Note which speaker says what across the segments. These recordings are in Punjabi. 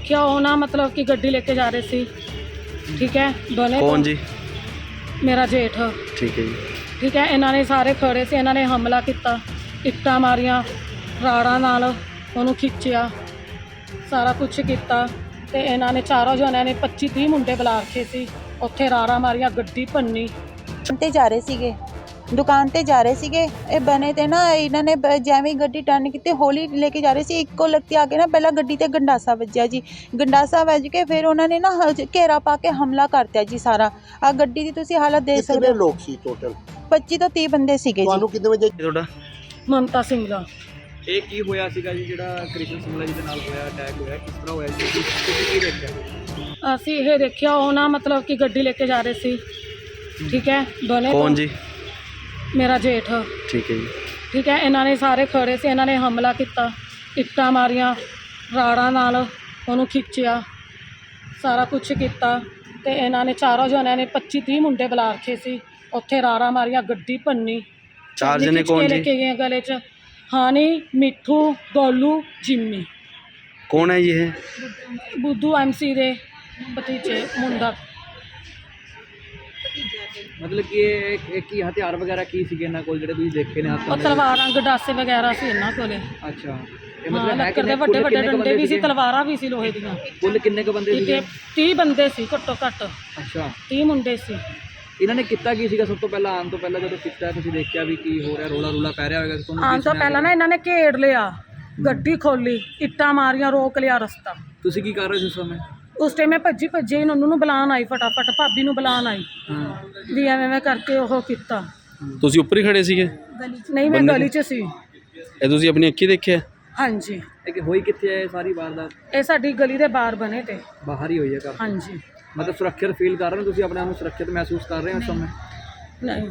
Speaker 1: देखिया वो ना मतलब कि गड्डी लेके जा रहे सी, ठीक है। दोनों
Speaker 2: कौन जी?
Speaker 1: मेरा जेठ,
Speaker 2: ठीक है जी।
Speaker 1: ठीक है। इन्होंने सारे खड़े से इन्होंने हमला किया, ਇੱਟਾਂ ਮਾਰੀਆਂ, ਰਾੜਾਂ ਨਾਲ ਉਹਨੂੰ ਖਿੱਚਿਆ, ਸਾਰਾ ਕੁਛ ਕੀਤਾ। ਤੇ ਇਹਨਾਂ ਨੇ ਚਾਰੋਂ ਜਣਿਆਂ ਨੇ 25-30 ਮੁੰਡੇ ਬੁਲਾ ਰੱਖੇ ਸੀ, ਉੱਥੇ ਰਾੜਾਂ ਮਾਰੀਆਂ, ਗੱਡੀ ਭੰਨੀ।
Speaker 3: ਤੇ ਜਾ ਰਹੇ ਸੀਗੇ, ਦੁਕਾਨ ਤੇ ਜਾ ਰਹੇ ਸੀਗੇ। ਇਹ ਬਣੇ ਤੇ ਨਾ ਇਹਨਾਂ ਨੇ ਜਿਵੇਂ ਗੱਡੀ ਟਰਨ ਕੀਤੀ, ਹੌਲੀ ਲੈ ਕੇ ਜਾ ਰਹੇ ਸੀ, ਇੱਕੋ ਲਗਤੀ ਆ ਕੇ ਨਾ ਪਹਿਲਾਂ ਗੱਡੀ ਤੇ ਗੰਡਾਸਾ ਵੱਜਿਆ ਜੀ। ਗੰਡਾਸਾ ਵੱਜ ਕੇ ਫਿਰ ਉਹਨਾਂ ਨੇ ਨਾ ਘੇਰਾ ਪਾ ਕੇ ਹਮਲਾ ਕਰਤਾ ਜੀ ਸਾਰਾ। ਆ ਗੱਡੀ ਦੀ ਤੁਸੀਂ ਹਾਲਤ ਦੇਖ ਸਕਦੇ ਹੋ।
Speaker 4: ਕਿੰਨੇ ਲੋਕ ਸੀ ਟੋਟਲ?
Speaker 3: 25 ਤੋਂ 30 ਬੰਦੇ ਸੀਗੇ ਜੀ।
Speaker 4: ਤੁਹਾਨੂੰ ਕਿੰਨੇ ਵਜੇ?
Speaker 2: ਤੁਹਾਡਾ
Speaker 1: ਮਮਤਾ ਸਿੰਘਲਾ।
Speaker 5: ਇਹ ਕੀ ਹੋਇਆ ਸੀਗਾ ਜੀ ਜਿਹੜਾ ਕ੍ਰਿਸ਼ਨ ਸਿੰਘਲਾ ਜੀ ਦੇ ਨਾਲ ਹੋਇਆ, ਅਟੈਕ ਹੋਇਆ, ਕਿਸ ਤਰ੍ਹਾਂ ਹੋਇਆ ਜੀ? ਤੁਸੀਂ ਕੀ ਦੇਖਿਆ?
Speaker 1: ਅਸੀਂ ਇਹ ਦੇਖਿਆ ਉਹ ਨਾ ਮਤਲਬ ਕਿ ਗੱਡੀ ਲੈ ਕੇ ਜਾ ਰਹੇ ਸੀ, ਠੀਕ ਹੈ। ਦੋਨੇ
Speaker 2: कौन जी?
Speaker 1: ਮੇਰਾ ਜੇਠ,
Speaker 2: ठीक है जी।
Speaker 1: ਠੀਕ ਹੈ। ਇਹਨਾਂ ਨੇ ਸਾਰੇ ਖੜੇ ਸੀ, ਇਹਨਾਂ ਨੇ ਹਮਲਾ ਕੀਤਾ, ਇੱਟਾਂ ਮਾਰੀਆਂ, ਰਾੜਾਂ ਨਾਲ ਉਹਨੂੰ ਖਿੱਚਿਆ, ਸਾਰਾ ਕੁਛ ਕੀਤਾ। ਤੇ ਇਹਨਾਂ ਨੇ ਚਾਰੋਂ ਜਣਿਆਂ ਨੇ 25-30 ਮੁੰਡੇ ਬੁਲਾ ਰੱਖੇ ਸੀ, ਉੱਥੇ ਰਾੜਾਂ ਮਾਰੀਆਂ, ਗੱਡੀ ਭੰਨੀ।
Speaker 2: चार जने कौन
Speaker 1: ਲੈ
Speaker 2: जी?
Speaker 1: ਕੇ ਗਏ ਗਲੇ 'ਚ ਹਾਨੀ, ਮਿੱਠੂ, ਗੋਲੂ, ਜਿੰਮੀ।
Speaker 2: कौन है ये?
Speaker 1: ਬੁੱਧੂ MC ਦੇ ਭਤੀਜੇ ਮੁੰਡਾ।
Speaker 5: ਮਤਲਬ ਕਿ ਇਹ ਕੀ ਹਥਿਆਰ ਵਗੈਰਾ ਕੀ ਸੀਗੇ ਇਹਨਾਂ ਕੋਲ ਜਿਹੜੇ ਤੁਸੀਂ ਦੇਖੇ ਨੇ ਹੱਥਾਂ
Speaker 1: ਉਹ
Speaker 5: ਦੇ?
Speaker 1: ਤਲਵਾਰਾਂ, ਗੰਡਾਸੇ ਵਗੈਰਾ ਸੀ ਇਹਨਾਂ ਕੋਲੇ।
Speaker 5: ਅੱਛਾ, ਇਹ
Speaker 1: ਹਾਂ,
Speaker 5: ਮਤਲਬ ਹੈ
Speaker 1: ਲੱਕੜ ਦੇ
Speaker 5: ਕਿੰਨੇ
Speaker 1: ਵੱਡੇ ਵੱਡੇ
Speaker 5: ਕਿੰਨੇ ਕੁ
Speaker 1: ਡੰਡੇ ਵੀ ਸੀ,
Speaker 5: ਸੀਗੇ?
Speaker 1: ਤਲਵਾਰਾਂ ਵੀ ਸੀ ਲੋਹੇ ਦੀਆਂ।
Speaker 5: ਕੁੱਲ ਕਿੰਨੇ ਕੁ ਬੰਦੇ ਸੀਗੇ?
Speaker 1: 30 ਬੰਦੇ ਸੀ ਘੱਟੋ ਘੱਟ,
Speaker 5: ਅੱਛਾ,
Speaker 1: 30 ਮੁੰਡੇ ਸੀ।
Speaker 5: ਇਹਨਾਂ ਨੇ ਕੀਤਾ ਕੀ ਸੀਗਾ? ਸਭ ਤੋਂ ਪਹਿਲਾਂ ਆਉਣ ਤੋਂ ਪਹਿਲਾਂ ਜਦੋਂ ਕੀਤਾ ਤੁਸੀਂ ਦੇਖਿਆ ਵੀ ਕੀ ਹੋ ਰਿਹਾ, ਰੋਲਾ ਰੂਲਾ ਪੈ ਰਿਹਾ ਹੋਵੇਗਾ ਤੁਹਾਨੂੰ?
Speaker 1: ਆਉਣ ਤੋਂ ਪਹਿਲਾਂ ਨਾ ਇਹਨਾਂ ਨੇ ਘੇੜ ਲਿਆ, ਗੱਡੀ ਖੋਲੀ, ਇੱਟਾਂ ਮਾਰੀਆਂ, ਰੋਕ ਲਿਆ ਰਸਤਾ।
Speaker 5: ਤੁਸੀਂ ਕੀ ਕਰ ਰਹੇ ਸੀ ਉਸ ਸਮੇਂ?
Speaker 1: ਉਸ ਟਾਈਮ ਮੈਂ ਭੱਜੀ ਨੰਨੂ ਨੂੰ ਬੁਲਾਉਣ ਆਈ, ਫਟਾਫਟ ਭਾਬੀ ਨੂੰ ਬੁਲਾਉਣ ਆਈ
Speaker 5: ਹਾਂ,
Speaker 1: ਵੀ ਐਵੇਂ ਕਰਕੇ ਉਹ ਕੀਤਾ।
Speaker 2: ਤੁਸੀਂ ਉੱਪਰ ਹੀ ਖੜੇ ਸੀਗੇ?
Speaker 1: ਨਹੀਂ, ਮੈਂ ਗਲੀ 'ਚ ਸੀ।
Speaker 2: ਇਹ ਤੁਸੀਂ ਆਪਣੀ ਅੱਖੀਂ ਦੇਖਿਆ?
Speaker 1: ਹਾਂਜੀ,
Speaker 5: ਇਹ ਕਿ ਹੋਈ ਕਿੱਥੇ ਹੈ ਇਹ ਸਾਰੀ ਵਾਰਦਾਤ?
Speaker 1: ਇਹ ਸਾਡੀ ਗਲੀ ਦੇ ਬਾਹਰ ਬਣੇ ਤੇ।
Speaker 5: ਬਾਹਰ ਹੀ ਹੋਈ ਹੈ ਘਰ?
Speaker 1: ਹਾਂਜੀ।
Speaker 5: ਮਤਲਬ ਸੁਰੱਖਿਅਤ ਫੀਲ ਕਰ ਰਹੇ ਹੋ ਤੁਸੀਂ? ਆਪਣੇ ਆਪ ਨੂੰ ਸੁਰੱਖਿਅਤ ਮਹਿਸੂਸ ਕਰ ਰਹੇ ਹੋ ਇਸ ਸਮੇਂ?
Speaker 1: ਨਹੀਂ।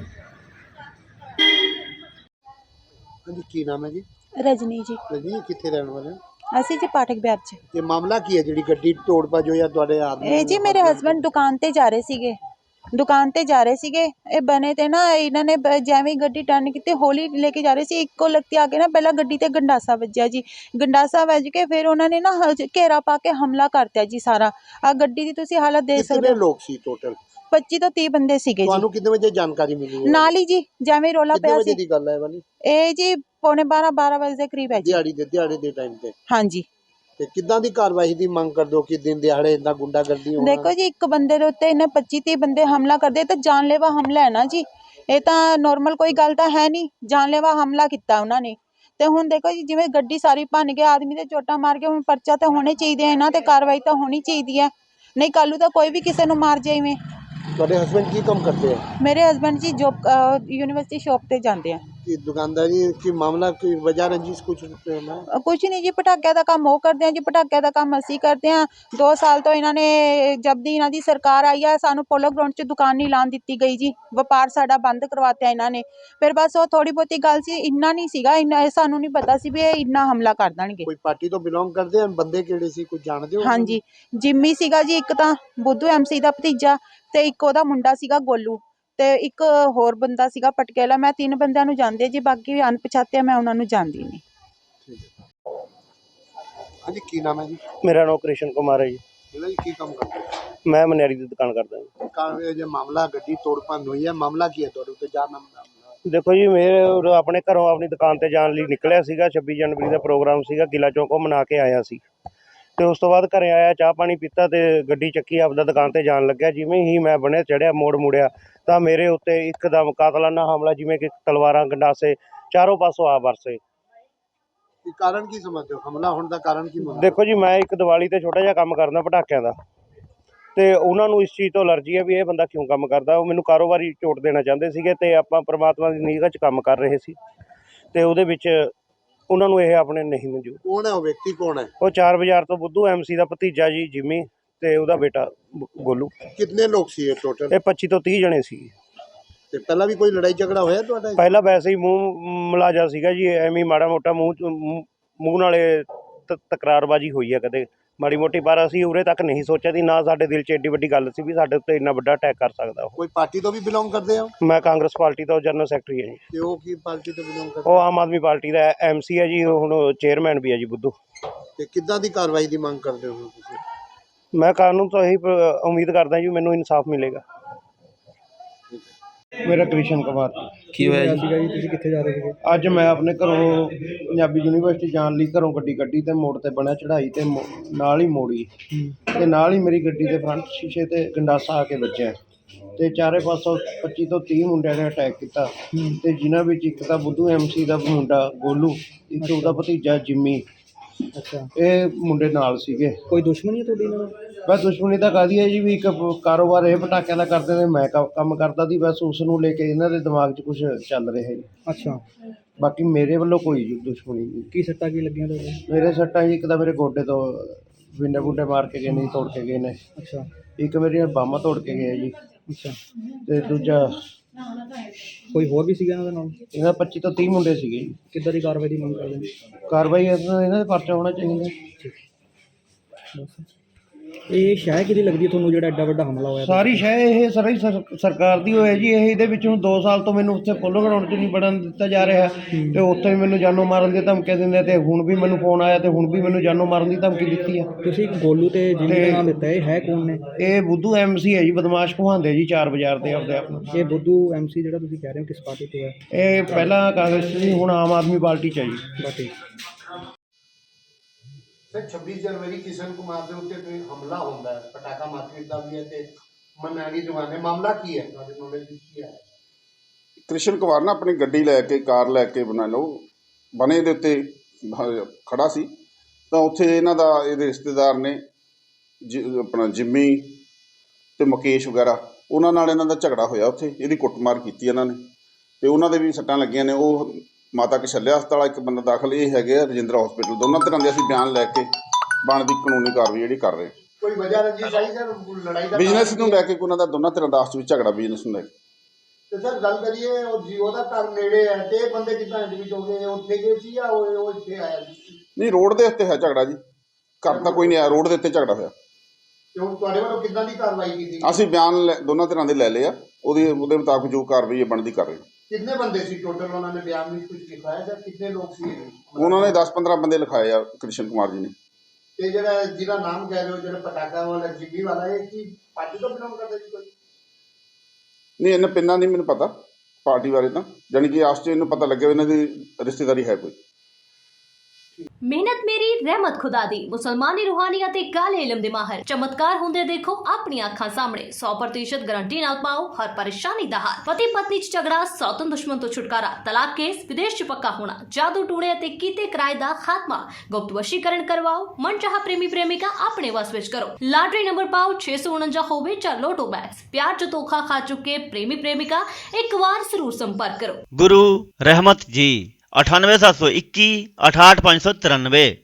Speaker 4: ਹਾਂਜੀ, ਕੀ ਨਾਮ ਹੈ ਜੀ?
Speaker 3: ਰਜਨੀ ਜੀ।
Speaker 4: ਰਜਨੀ, ਕਿੱਥੇ ਰਹਿਣ ਵਾਲੇ ਹੋ?
Speaker 3: ਅਸੀਂ ਜੀ ਪਾਠਕ ਬਿਹਾਰ 'ਚ।
Speaker 4: ਤੇ ਮਾਮਲਾ ਕੀ ਹੈ ਜਿਹੜੀ ਗੱਡੀ ਤੋੜ ਭੱਜ ਹੋਈ ਆ ਤੁਹਾਡੇ ਆਦਮੀ?
Speaker 3: ਇਹ ਜੀ ਮੇਰੇ ਹਸਬੰਡ ਦੁਕਾਨ ਤੇ ਜਾ ਰਹੇ ਸੀਗੇ, ਦੁਕਾਨ ਤੇ ਜਾ ਰਹੇ ਸੀਗੇ। ਇਹ ਬਣੇ ਤੇ ਨਾ ਇਹਨਾਂ ਨੇ ਜਿਵੇਂ ਗੱਡੀ ਟਰਨ ਕੀਤੀ, ਹੌਲੀ ਲੈ ਕੇ ਜਾ ਰਹੇ ਸੀ, ਇੱਕੋ ਲਗਤੀ ਆ ਕੇ ਨਾ ਪਹਿਲਾਂ ਗੱਡੀ ਤੇ ਗੰਡਾਸਾ ਵੱਜਿਆ ਜੀ। ਗੰਡਾਸਾ ਵੱਜ ਕੇ ਫਿਰ ਉਹਨਾਂ ਨੇ ਨਾ ਘੇਰਾ ਪਾ ਕੇ ਹਮਲਾ ਕਰਤਾ ਜੀ ਸਾਰਾ। ਆ ਗੱਡੀ ਦੀ ਤੁਸੀਂ ਹਾਲਤ ਦੇਖ ਸਕਦੇ
Speaker 4: ਕਿੰਨੇ
Speaker 3: ਹੋ।
Speaker 4: ਲੋਕ ਸੀ ਟੋਟਲ?
Speaker 3: 25 ਤੋਂ 30 ਬੰਦੇ ਸੀਗੇ ਜੀ।
Speaker 4: ਤੁਹਾਨੂੰ ਕਿੰਨੇ ਵਜੇ ਜਾਣਕਾਰੀ ਮਿਲੀ ਹੈ?
Speaker 3: ਨਾਲ ਹੀ ਜੀ ਜਿਵੇਂ ਰੋਲਾ
Speaker 4: ਕਿੰਨੇ
Speaker 3: ਪਿਆ
Speaker 4: ਵਜੇ
Speaker 3: ਸੀ।
Speaker 4: ਦੀ ਗੱਲ ਹੈ ਵਾਲੀ?
Speaker 3: ਇਹ ਜੀ ਪੌਣੇ 12 ਵਜੇ ਦੇ ਕਰੀਬ ਹੈ ਜੀ।
Speaker 4: ਦਿਹਾੜੀ ਦੇ ਟਾਈਮ ਤੇ?
Speaker 3: ਹਾਂਜੀ।
Speaker 4: ਤੇ ਕਿੱਦਾਂ ਦੀ ਕਾਰਵਾਈ ਦੀ ਮੰਗ ਕਰਦੇ ਹੋ ਕਿ ਦਿਨ ਦਿਹਾੜੇ ਇੰਨਾ ਗੁੰਡਾਗਰਦੀ ਹੋਣਾ?
Speaker 3: ਦੇਖੋ ਜੀ, ਇੱਕ ਬੰਦੇ ਦੇ ਉੱਤੇ ਇਹਨੇ 25-30 ਬੰਦੇ ਹਮਲਾ ਕਰਦੇ ਤਾਂ ਜਾਨਲੇਵਾ ਹਮਲਾ ਹੈ ਨਾ ਜੀ। ਇਹ ਤਾਂ ਨੋਰਮਲ ਕੋਈ ਗੱਲ ਤਾਂ ਹੈ ਨਹੀਂ, ਜਾਨਲੇਵਾ ਹਮਲਾ ਕੀਤਾ ਉਹਨਾਂ ਨੇ। ਤੇ ਹੁਣ ਦੇਖੋ ਜੀ, ਜਿਵੇਂ ਗੱਡੀ ਸਾਰੀ ਭੰਨ ਕੇ ਆਦਮੀ ਦੇ ਚੋਟਾਂ ਮਾਰ ਕੇ, ਹੁਣ ਪਰਚਾ ਤਾਂ ਹੋਣੇ ਚਾਹੀਦੇ, ਇਹਨਾਂ ਤੇ ਕਾਰਵਾਈ ਤਾਂ ਹੋਣੀ ਚਾਹੀਦੀ ਹੈ। ਨਹੀਂ ਕੱਲ੍ਹ ਨੂੰ ਤਾਂ ਕੋਈ ਵੀ ਕਿਸੇ ਨੂੰ ਮਾਰ ਜਾਵੇ।
Speaker 4: ਤੁਹਾਡੇ ਹਸਬੰਡ ਕੀ ਕੰਮ ਕਰਦੇ ਆ?
Speaker 3: ਮੇਰੇ ਹਸਬੰਡ ਜੀ ਜੋਬ ਯੂਨੀਵਰਸਿਟੀ ਸ਼ੌਪ ਤੇ ਜਾਂਦੇ ਆ।
Speaker 4: ਕਿ ਦੁਕਾਨਦਾਰੀ ਕੀ ਮਾਮਲਾ, ਕੋਈ ਵਜ੍ਹਾ ਰੰਜਿਸ਼ ਕੁਝ ਹੈ?
Speaker 3: ਕੁਛ ਨਹੀਂ ਜੀ, ਪਟਾਕਿਆਂ ਦਾ ਕੰਮ ਉਹ ਕਰਦੇ ਆ ਜੀ, ਪਟਾਕਿਆਂ ਦਾ ਕੰਮ ਅਸੀਂ ਕਰਦੇ ਆ। 2 ਸਾਲ ਤੋਂ ਇਹਨਾਂ ਨੇ, ਜਦ ਦੀ ਇਹਨਾਂ ਦੀ ਸਰਕਾਰ ਆਈ ਆ, ਸਾਨੂੰ ਪੋਲੋ ਗਰਾਊਂਡ 'ਚ ਦੁਕਾਨ ਨਹੀਂ ਲਾਉਣ ਦਿੱਤੀ ਗਈ ਜੀ। ਵਪਾਰ ਸਾਡਾ ਬੰਦ ਕਰਵਾਤਾ ਇਹਨਾਂ ਨੇ। ਫਿਰ ਬਸ ਉਹ ਥੋੜੀ ਬਹੁਤੀ ਗੱਲ ਸੀ, ਇੰਨਾ ਨਹੀਂ ਸੀਗਾ, ਇੰਨਾ ਸਾਨੂੰ ਨਹੀਂ ਪਤਾ ਸੀ ਵੀ ਇਹ ਇੰਨਾ ਹਮਲਾ ਕਰ ਦੇਣਗੇ।
Speaker 4: ਕੋਈ ਪਾਰਟੀ ਤੋਂ ਬਿਲੋਂਗ ਕਰਦੇ ਆ? ਬੰਦੇ ਕਿਹੜੇ ਸੀ, ਕੁਝ ਜਾਣਦੇ ਹੋ?
Speaker 3: ਹਾਂਜੀ, ਜਿੰਮੀ ਸੀਗਾ ਜੀ ਇੱਕ ਤਾਂ, ਬੁੱਧੂ MC ਦਾ ਭਤੀਜਾ, ਤੇ ਇੱਕ ਉਹਦਾ ਮੁੰਡਾ ਸੀਗਾ ਗੋਲੂ, ਤੇ ਇੱਕ ਹੋਰ ਬੰਦਾ ਸੀਗਾ ਪਟਕੇਲਾ। ਮੈਂ 3 ਬੰਦਿਆਂ ਨੂੰ ਜਾਣਦੀ ਜੀ, ਬਾਕੀ ਅਣਪਛਾਤੇ ਮੈਂ ਉਹਨਾਂ ਨੂੰ ਜਾਣਦੀ ਨਹੀਂ।
Speaker 4: ਹਾਂਜੀ, ਕੀ ਨਾਮ ਹੈ ਜੀ?
Speaker 6: ਮੇਰਾ ਨਾਮ ਕ੍ਰਿਸ਼ਨ ਕੁਮਾਰ ਹੈ ਜੀ।
Speaker 4: ਇਹਦਾ ਜੀ ਕੀ ਕੰਮ ਕਰਦੇ ਹੋ?
Speaker 6: ਮੈਂ ਮਨਿਆਰੀ ਦੀ ਦੁਕਾਨ ਕਰਦਾ ਜੀ।
Speaker 4: ਕਾਰ ਜੇ ਮਾਮਲਾ ਗੱਡੀ ਤੋੜ ਭੰਨ ਹੋਈ ਹੈ, ਮਾਮਲਾ ਕੀ ਹੈ ਤੁਹਾਡੇ ਉੱਤੇ? ਜਾਨ
Speaker 6: ਦੇਖੋ ਜੀ, ਮੇਰੇ ਆਪਣੇ ਘਰੋਂ ਆਪਣੀ ਦੁਕਾਨ ਤੇ ਜਾਣ ਲਈ ਨਿਕਲਿਆ ਸੀਗਾ। 26 ਜਨਵਰੀ ਦਾ ਪ੍ਰੋਗਰਾਮ ਸੀਗਾ, ਕਿਲਾ ਚੌਕ ਮਨਾ ਕੇ ਆਇਆ ਸੀ। ਤੇ ਉਸ ਤੋਂ ਬਾਅਦ ਘਰੇ ਆਇਆ, ਚਾਹ ਪਾਣੀ ਪੀਤਾ ਤੇ ਗੱਡੀ ਚੱਕੀ, ਆਪਦਾ ਦੁਕਾਨ ਤੇ ਜਾਣ ਲੱਗਿਆ। ਜਿਵੇਂ ਹੀ ਮੈਂ ਬਣੇ ਚੜਿਆ, ਮੋੜ ਮੁੜਿਆ ਤਾਂ ਮੇਰੇ ਉੱਤੇ ਇੱਕਦਮ ਕਾਤਲਾਨਾ ਹਮਲਾ, ਜਿਵੇਂ ਕਿ ਤਲਵਾਰਾਂ, ਗੰਡਾਸੇ ਚਾਰੋਂ ਪਾਸੋਂ ਆ ਵਰਸੇ।
Speaker 4: ਕਾਰਨ ਕੀ ਸਮਝਦੇ ਹੋ? ਹਮਲਾ ਹੋਣ ਦਾ ਕਾਰਨ ਕੀ ਮੰਨਦੇ ਹੋ?
Speaker 6: ਦੇਖੋ ਜੀ, ਮੈਂ ਇੱਕ ਦੀਵਾਲੀ ਤੇ ਛੋਟਾ ਜਿਹਾ ਕੰਮ ਕਰਦਾ ਪਟਾਕਿਆਂ ਦਾ, ਤੇ ਉਹਨਾਂ ਨੂੰ ਇਸ ਚੀਜ਼ ਤੋਂ ਅਲਰਜੀ ਹੈ ਵੀ ਇਹ ਬੰਦਾ ਕਿਉਂ ਕੰਮ ਕਰਦਾ। ਉਹ ਮੈਨੂੰ ਕਾਰੋਬਾਰੀ ਝੋਟ ਦੇਣਾ ਚਾਹੁੰਦੇ ਸੀਗੇ, ਤੇ ਆਪਾਂ ਪ੍ਰਮਾਤਮਾ ਦੀ ਨਿਗਾਹ 'ਚ ਕੰਮ ਕਰ ਰਹੇ ਸੀ, ਤੇ ਉਹਦੇ ਵਿੱਚ ਉਹਨਾਂ ਨੂੰ ਇਹ ਆਪਣੇ ਨਹੀਂ ਮਨਜ਼ੂਰ।
Speaker 4: ਕੌਣ ਹੈ ਉਹ ਵਿਅਕਤੀ? ਕੌਣ ਹੈ
Speaker 6: ਉਹ 4 ਬਾਜ਼ਾਰ ਤੋਂ ਬੁੱਧੂ MC ਦਾ ਭਤੀਜਾ ਜੀ ਜਿੰਮੀ, ਤੇ ਉਹਦਾ ਬੇਟਾ ਗੋਲੂ।
Speaker 4: ਕਿੰਨੇ ਲੋਕ ਸੀ ਇਹ ਟੋਟਲ?
Speaker 6: ਇਹ 25 ਤੋਂ 30 ਜਣੇ ਸੀ।
Speaker 4: ਤੇ ਪਹਿਲਾਂ ਵੀ ਕੋਈ ਲੜਾਈ ਝਗੜਾ ਹੋਇਆ ਤੁਹਾਡਾ?
Speaker 6: ਪਹਿਲਾਂ ਵੈਸੇ ਹੀ ਮੂੰਹ ਮਲਾਜਾ ਸੀਗਾ ਜੀ, ਐਵੇਂ ਹੀ ਮਾੜਾ ਮੋਟਾ ਮੂੰਹ ਨਾਲੇ ਤਕਰਾਰਬਾਜੀ ਹੋਈ ਹੈ ਕਦੇ ਮਾੜੀ ਮੋਟੀ, ਪਰ ਅਸੀਂ ਉਰੇ ਤੱਕ ਨਹੀਂ ਸੋਚਿਆ ਸੀ, ਨਾ ਸਾਡੇ ਦਿਲ 'ਚ ਐਡੀ ਵੱਡੀ ਗੱਲ ਸੀ ਵੀ ਸਾਡੇ ਉੱਤੇ ਇੰਨਾ ਵੱਡਾ ਅਟੈਕ ਕਰ ਸਕਦਾ ਉਹ।
Speaker 4: ਕੋਈ ਪਾਰਟੀ ਤੋਂ ਵੀ ਬਿਲੋਂਗ ਕਰਦੇ ਹੋ?
Speaker 6: ਮੈਂ ਕਾਂਗਰਸ ਪਾਰਟੀ ਦਾ ਜਨਰਲ ਸੈਕਟਰੀ ਹਾਂ ਜੀ।
Speaker 4: ਤੇ ਉਹ ਕੀ ਪਾਰਟੀ ਤੋਂ ਬਿਲੋਂਗ ਕਰਦੇ?
Speaker 6: ਉਹ ਆਮ ਆਦਮੀ ਪਾਰਟੀ ਦਾ MC ਹੈ ਜੀ, ਹੁਣ ਚੇਅਰਮੈਨ ਵੀ ਹੈ ਜੀ ਬੁੱਧੂ।
Speaker 4: ਤੇ ਕਿੱਦਾਂ ਦੀ ਕਾਰਵਾਈ ਦੀ ਮੰਗ ਕਰਦੇ ਹੋ ਤੁਸੀਂ?
Speaker 6: ਮੈਂ ਕਾਨੂੰਨ ਤੋਂ ਇਹੀ ਉਮੀਦ ਕਰਦਾ ਜੀ ਮੈਨੂੰ ਇਨਸਾਫ ਮਿਲੇਗਾ। ਮੇਰਾ ਕ੍ਰਿਸ਼ਨ ਕੁਮਾਰ
Speaker 2: ਕੀ ਹੋਇਆ ਜੀ?
Speaker 5: ਸੀਗਾ ਜੀ ਤੁਸੀਂ ਕਿੱਥੇ ਜਾ ਰਹੇ ਸੀਗੇ?
Speaker 6: ਅੱਜ ਮੈਂ ਆਪਣੇ ਘਰੋਂ ਪੰਜਾਬੀ ਯੂਨੀਵਰਸਿਟੀ ਜਾਣ ਲਈ ਘਰੋਂ ਗੱਡੀ ਕੱਢੀ ਤੇ ਮੋੜ ਤੇ ਬਣਿਆ ਚੜ੍ਹਾਈ ਤੇ ਨਾਲ ਹੀ ਮੋੜੀ ਤੇ ਨਾਲ ਹੀ ਮੇਰੀ ਗੱਡੀ ਦੇ ਫਰੰਟ ਸ਼ੀਸ਼ੇ ਤੇ ਗੰਡਾਸਾ ਆ ਕੇ ਵੱਜਿਆ ਤੇ ਚਾਰੇ ਪਾਸੋਂ 25 ਤੋਂ 30 ਮੁੰਡਿਆਂ ਨੇ ਅਟੈਕ ਕੀਤਾ ਤੇ ਜਿਨ੍ਹਾਂ ਵਿੱਚ ਇੱਕ ਤਾਂ ਬੁੱਧੂ MC ਦਾ ਮੁੰਡਾ ਗੋਲੂ, ਇੱਕ ਉਹਦਾ ਭਤੀਜਾ ਜਿੰਮੀ,
Speaker 5: ਅੱਛਾ,
Speaker 6: ਇਹ ਮੁੰਡੇ ਨਾਲ ਸੀਗੇ।
Speaker 5: ਕੋਈ ਦੁਸ਼ਮਣੀ ਹੈ ਤੁਹਾਡੀ ਇਹਨਾਂ ਨਾਲ?
Speaker 6: ਬਸ ਦੁਸ਼ਮਣੀ ਤਾਂ ਕਾਹਦੀ ਹੈ ਜੀ, ਵੀ ਇੱਕ ਕਾਰੋਬਾਰ ਇਹ ਪਟਾਕਿਆਂ ਦਾ ਕਰਦੇ ਨੇ, ਮੈਂ ਕੰਮ ਕਰਦਾ ਸੀ, ਬਸ ਉਸ ਨੂੰ ਲੈ ਕੇ ਇਹਨਾਂ ਦੇ ਦਿਮਾਗ 'ਚ ਕੁਝ ਚੱਲ ਰਿਹਾ ਜੀ।
Speaker 5: ਅੱਛਾ,
Speaker 6: ਬਾਕੀ ਮੇਰੇ ਵੱਲੋਂ ਕੋਈ ਦੁਸ਼ਮਣੀ ਨਹੀਂ।
Speaker 5: ਕੀ ਸੱਟਾਂ ਕੀ ਲੱਗੀਆਂ ਤੁਹਾਡੇ?
Speaker 6: ਮੇਰੇ ਸੱਟਾਂ ਜੀ, ਇੱਕ ਤਾਂ ਮੇਰੇ ਗੋਡੇ ਤੋਂ ਵਿੰਡੇ ਬੁੰਡੇ ਮਾਰ ਕੇ ਗਏ ਨੇ, ਤੋੜ ਕੇ ਗਏ ਨੇ।
Speaker 5: ਅੱਛਾ,
Speaker 6: ਇੱਕ ਮੇਰੀਆਂ ਬਾਹਾਂ ਤੋੜ ਕੇ ਗਏ ਜੀ
Speaker 5: ਅੱਛਾ,
Speaker 6: ਤੇ ਦੂਜਾ
Speaker 5: ਕੋਈ ਹੋਰ ਵੀ ਸੀਗਾ ਇਹਨਾਂ ਦੇ ਨਾਲ?
Speaker 6: ਇਹਨਾਂ 25 ਤੋਂ 30 ਮੁੰਡੇ ਸੀਗੇ ਜੀ।
Speaker 5: ਕਿੱਦਾਂ ਦੀ ਕਾਰਵਾਈ ਦੀ ਮੰਗ ਕਰਦੇ ਨੇ?
Speaker 6: ਕਾਰਵਾਈ ਇਹਨਾਂ ਦੇ ਪਰਚਾ ਹੋਣਾ ਚਾਹੀਦਾ।
Speaker 5: ਇਹ ਸ਼ਹਿਰ ਕਿਹਦੀ ਲੱਗਦੀ ਹੈ ਤੁਹਾਨੂੰ ਜਿਹੜਾ ਐਡਾ ਵੱਡਾ ਹਮਲਾ ਹੋਇਆ?
Speaker 6: ਸਾਰੀ ਸ਼ੈ ਇਹ ਸਾਰੀ ਸਰਕਾਰ ਦੀ ਹੋਇਆ ਜੀ। ਇਹ ਇਹਦੇ ਵਿੱਚ ਹੁਣ 2 ਸਾਲ ਤੋਂ ਮੈਨੂੰ ਉੱਥੇ ਪੋਲੋ ਗਰਾਊਂਡ 'ਚ ਨਹੀਂ ਵੜਨ ਦਿੱਤਾ ਜਾ ਰਿਹਾ ਤੇ ਉੱਥੇ ਵੀ ਮੈਨੂੰ ਜਾਨੋਂ ਮਾਰਨ ਦੀ ਧਮਕੀ ਦਿੰਦੇ ਤੇ ਹੁਣ ਵੀ ਮੈਨੂੰ ਫੋਨ ਆਇਆ ਤੇ ਹੁਣ ਵੀ ਮੈਨੂੰ ਜਾਨੋਂ ਮਾਰਨ ਦੀ ਧਮਕੀ ਦਿੱਤੀ ਆ।
Speaker 5: ਤੁਸੀਂ ਗੋਲੂ ਤੇ ਜਿੰਮੀ ਦਾ ਨਾਮ ਦਿੱਤਾ, ਇਹ ਹੈ ਕੌਣ ਨੇ?
Speaker 6: ਇਹ ਬੁੱਧੂ MC ਹੈ ਜੀ, ਬਦਮਾਸ਼ ਕਹਾਉਂਦੇ ਜੀ 4 ਬਾਜ਼ਾਰ ਦੇ ਆਪਦੇ ਆਪ ਨੂੰ।
Speaker 5: ਇਹ ਬੁੱਧੂ MC ਜਿਹੜਾ ਤੁਸੀਂ ਕਹਿ ਰਹੇ ਹੋ ਕਿਸ ਪਾਰਟੀ ਤੋਂ ਹੈ?
Speaker 6: ਇਹ ਪਹਿਲਾਂ ਕਾਂਗਰਸ ਸੀ, ਹੁਣ ਆਮ ਆਦਮੀ ਪਾਰਟੀ 'ਚ ਹੈ ਜੀ।
Speaker 5: ਬਾਕੀ
Speaker 4: 26 ਜਨਵਰੀ ਕਿਸ਼ਨ ਕੁਮਾਰ ਦੇ ਉੱਤੇ ਕੋਈ ਹਮਲਾ ਹੁੰਦਾ ਹੈ, ਪਟਾਕਾ ਮਾਰਕੀਟ ਦਾ ਵੀ ਹੈ ਤੇ ਮਨਾਲੀ ਜਵਾਨੇ, ਮਾਮਲਾ ਕੀ ਹੈ ਤੁਹਾਡੇ ਨੌਲੇਜ ਵਿੱਚ ਕੀ ਹੈ?
Speaker 7: ਕ੍ਰਿਸ਼ਨ ਕੁਮਾਰ ਨਾ ਆਪਣੀ ਗੱਡੀ ਲੈ ਕੇ, ਕਾਰ ਲੈ ਕੇ ਬਣਾ ਲਓ ਬਣੇ ਦੇ ਉੱਤੇ ਖੜਾ ਸੀ ਤਾਂ ਉੱਥੇ ਇਹਨਾਂ ਦਾ ਇਹਦੇ ਰਿਸ਼ਤੇਦਾਰ ਨੇ ਆਪਣਾ ਜਿੰਮੀ ਤੇ ਮੁਕੇਸ਼ ਵਗੈਰਾ, ਉਹਨਾਂ ਨਾਲ ਇਹਨਾਂ ਦਾ ਝਗੜਾ ਹੋਇਆ। ਉੱਥੇ ਇਹਦੀ ਕੁੱਟਮਾਰ ਕੀਤੀ ਇਹਨਾਂ ਨੇ ਤੇ ਉਹਨਾਂ ਦੇ ਵੀ ਸੱਟਾਂ ਲੱਗੀਆਂ ਨੇ। ਉਹ ਮਾਤਾ ਕਸ਼ਲਿਆ ਹਸਪਤਾਲ ਇੱਕ ਬੰਦਾ ਦਾਖਲ, ਇਹ ਹੈਗੇ ਆ ਰਜਿੰਦਰਾ ਹਸਪੀਟਲ। ਦੋਨਾਂ ਤਰ੍ਹਾਂ ਦੇ ਅਸੀਂ ਬਿਆਨ ਲੈ ਕੇ ਬਣਦੀ ਕਾਨੂੰਨੀ ਕਾਰਵਾਈ ਜਿਹੜੀ ਕਰ ਰਹੇ।
Speaker 4: ਕੋਈ ਵਜ੍ਹਾ ਰੰਜਿਸ਼ ਆਈ ਸਰ ਲੜਾਈ ਦਾ?
Speaker 7: ਬਿਜ਼ਨਸ ਨੂੰ ਲੈ ਕੇ ਉਹਨਾਂ ਦਾ ਦੋਨਾਂ ਤਰ੍ਹਾਂ ਦਾ ਆਪਸ ਵਿੱਚ ਝਗੜਾ ਬਿਜ਼ਨਸ ਨੂੰ ਲੈ ਕੇ।
Speaker 4: ਤੇ ਸਰ ਗੱਲ ਕਰੀਏ ਉਹ ਜੀਓ ਦਾ ਘਰ ਨੇੜੇ ਹੈ ਤੇ ਇਹ ਬੰਦੇ ਕਿੱਦਾਂ ਐਡਮਿਟ ਹੋ ਗਏ? ਉੱਥੇ ਗਏ ਸੀ ਜਾਂ ਉਹ ਇੱਥੇ ਆਇਆ ਸੀ?
Speaker 7: ਨਹੀਂ, ਰੋਡ ਦੇ ਉੱਤੇ ਹੈ ਝਗੜਾ ਜੀ, ਘਰ ਤਾਂ ਕੋਈ ਨਹੀਂ ਆਇਆ, ਰੋਡ ਦੇ ਉੱਤੇ ਝਗੜਾ ਹੋਇਆ।
Speaker 4: ਤੇ ਹੁਣ ਤੁਹਾਡੇ ਵੱਲੋਂ ਕਿੱਦਾਂ ਦੀ ਕਾਰਵਾਈ ਕੀਤੀ?
Speaker 7: ਅਸੀਂ ਬਿਆਨ ਦੋਨਾਂ ਤਰ੍ਹਾਂ ਦੇ ਲੈ ਲਏ ਆ, ਉਹਦੇ ਮੁਤਾਬਕ ਜੋ ਕਾਰਵਾਈ ਹੈ ਬਣਦੀ ਕਰ ਰਹੇ।
Speaker 4: ਕਿੰਨੇ ਬੰਦੇ ਸੀ ਟੋਟਲ? ਉਹਨਾਂ ਨੇ ਬਿਆਨ ਵਿੱਚ ਕੁਝ ਲਿਖਾਇਆ ਜਾਂ ਕਿੰਨੇ ਲੋਕ ਸੀ?
Speaker 7: ਉਹਨਾਂ ਨੇ 10-15 ਬੰਦੇ ਲਿਖਾਏ ਆ ਕ੍ਰਿਸ਼ਨ ਕੁਮਾਰ ਜੀ ਨੇ।
Speaker 4: ਤੇ ਜਿਹਦਾ ਨਾਮ ਕਹਿ ਰਹੇ ਹੋ, ਜਿਹੜਾ ਪਟਾਕਾ ਵਾਲਾ ਜਿੰਮੀ ਵਾਲਾ, ਇਹ ਕੀ ਪਾਰਟੀ ਤੋਂ ਬਿਲੋਂਗ ਕਰਦਾ ਜੀ ਕੋਈ?
Speaker 7: ਨਹੀਂ, ਇਹਨਾਂ ਪਿੰਨਾਂ ਨਹੀਂ ਮੈਨੂੰ ਪਤਾ ਪਾਰਟੀ ਬਾਰੇ, ਤਾਂ ਜਾਣੀ ਕਿ ਆਸ 'ਚ ਇਹਨੂੰ ਪਤਾ ਲੱਗਿਆ ਇਹਨਾਂ ਦੀ ਰਿਸ਼ਤੇਦਾਰੀ ਹੈ ਕੋਈ।
Speaker 8: ਮਿਹਨਤ ਮੇਰੀ ਰਹਿਮਤ ਖੁਦਾ ਦੀ। ਮੁਸਲਮਾਨੀ ਰੂਹਾਨੀ ਅਤੇ ਕਾਲੇ ਇਲਮ ਦੇ ਮਾਹਰ ਚਮਤਕਾਰ ਹੁੰਦੇ ਦੇਖੋ ਆਪਣੀਆਂ ਅੱਖਾਂ ਸਾਹਮਣੇ। 100% ਗਾਰੰਟੀ ਨਾਲ ਪਾਓ ਹਰ ਪਰੇਸ਼ਾਨੀ ਦਾ ਹੱਲ। ਪਤੀ ਪਤਨੀ 'ਚ ਝਗੜਾ, ਸੌਤਨ ਦੁਸ਼ਮਣ ਤੋਂ ਛੁਟਕਾਰਾ, ਤਲਾਕ ਕੇਸ, ਵਿਦੇਸ਼ 'ਚ ਪੱਕਾ ਹੋਣਾ, ਜਾਦੂ ਟੂਣੇ ਅਤੇ ਕੀਤੇ ਕਿਰਾਏ ਦਾ ਖਾਤਮਾ, ਗੁਪਤ ਵਸ਼ੀਕਰਨ ਕਰਵਾਓ, ਮਨਚਾਹਾ ਪ੍ਰੇਮੀ ਪ੍ਰੇਮਿਕਾ ਆਪਣੇ ਵਸ ਵਿੱਚ ਕਰੋ। ਲਾਟਰੀ ਨੰਬਰ ਪਾਓ 649 ਹੋਵੇ ਜਾਂ ਲੋਟੋ ਬੈਗਸ। ਪਿਆਰ 'ਚ ਧੋਖਾ ਖਾ ਚੁੱਕੇ ਪ੍ਰੇਮੀ ਪ੍ਰੇਮਿਕਾ ਇੱਕ ਵਾਰ ਜ਼ਰੂਰ ਸੰਪਰਕ ਕਰੋ।
Speaker 9: गुरु रहमत जी 98721 68593।